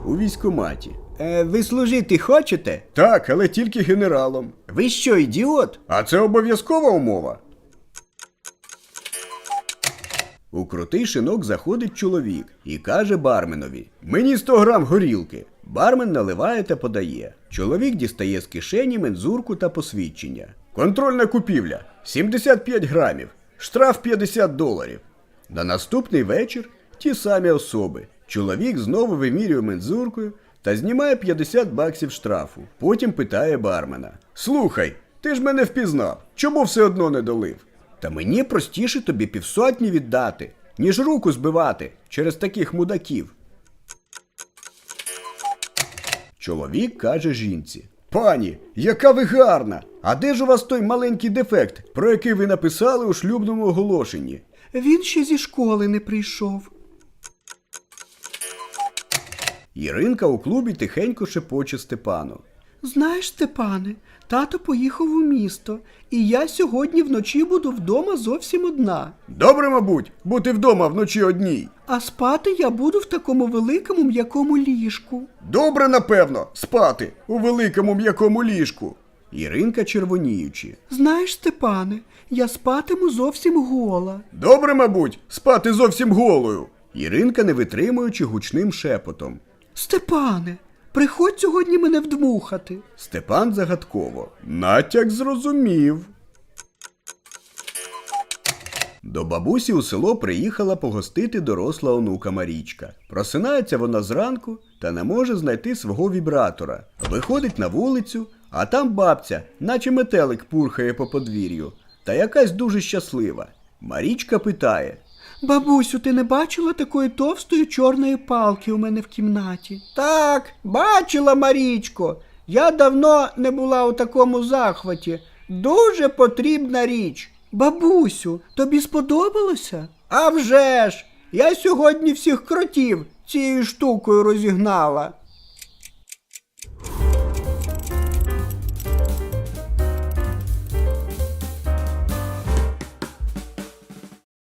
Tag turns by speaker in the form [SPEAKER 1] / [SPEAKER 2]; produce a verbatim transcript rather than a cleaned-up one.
[SPEAKER 1] у військкоматі.
[SPEAKER 2] Е, ви служити хочете?
[SPEAKER 1] Так, але тільки генералом.
[SPEAKER 2] Ви що, ідіот?
[SPEAKER 1] А це обов'язкова умова. У крутий шинок заходить чоловік і каже барменові: «Мені сто грам горілки». Бармен наливає та подає. Чоловік дістає з кишені мензурку та посвідчення. Контрольна купівля – сімдесят п'ять грамів, штраф п'ятдесят доларів. На наступний вечір ті самі особи. Чоловік знову вимірює мензуркою та знімає п'ятдесят баксів штрафу. Потім питає бармена: «Слухай, ти ж мене впізнав, чому все одно не долив?» «Та мені простіше тобі півсотні віддати, ніж руку збивати через таких мудаків». Чоловік каже жінці: «Пані, яка ви гарна! А де ж у вас той маленький дефект, про який ви написали у шлюбному оголошенні?»
[SPEAKER 2] Він ще зі школи не прийшов.
[SPEAKER 1] Іринка у клубі тихенько шепоче Степану:
[SPEAKER 2] Знаєш, Степане, тато поїхав у місто, і я сьогодні вночі буду вдома зовсім одна.
[SPEAKER 1] «Добре, мабуть, бути вдома вночі одній».
[SPEAKER 2] А спати я буду в такому великому м'якому ліжку.
[SPEAKER 1] «Добре, напевно, спати у великому м'якому ліжку». Іринка червоніючи:
[SPEAKER 2] Знаєш, Степане, я спатиму зовсім гола.
[SPEAKER 1] «Добре, мабуть, спати зовсім голою». Іринка, не витримуючи, гучним шепотом:
[SPEAKER 2] Степане, приходь сьогодні мене вдмухати.
[SPEAKER 1] Степан загадково: «Натяк зрозумів». До бабусі у село приїхала погостити доросла онука Марічка. Просинається вона зранку та не може знайти свого вібратора. Виходить на вулицю, а там бабця, наче метелик, пурхає по подвір'ю. Та якась дуже щаслива. Марічка питає:
[SPEAKER 2] Бабусю, ти не бачила такої товстої чорної палки у мене в кімнаті? Так, бачила, Марічко. Я давно не була у такому захваті. Дуже потрібна річ. Бабусю, тобі сподобалося? А вже ж! Я сьогодні всіх кротів цією штукою розігнала.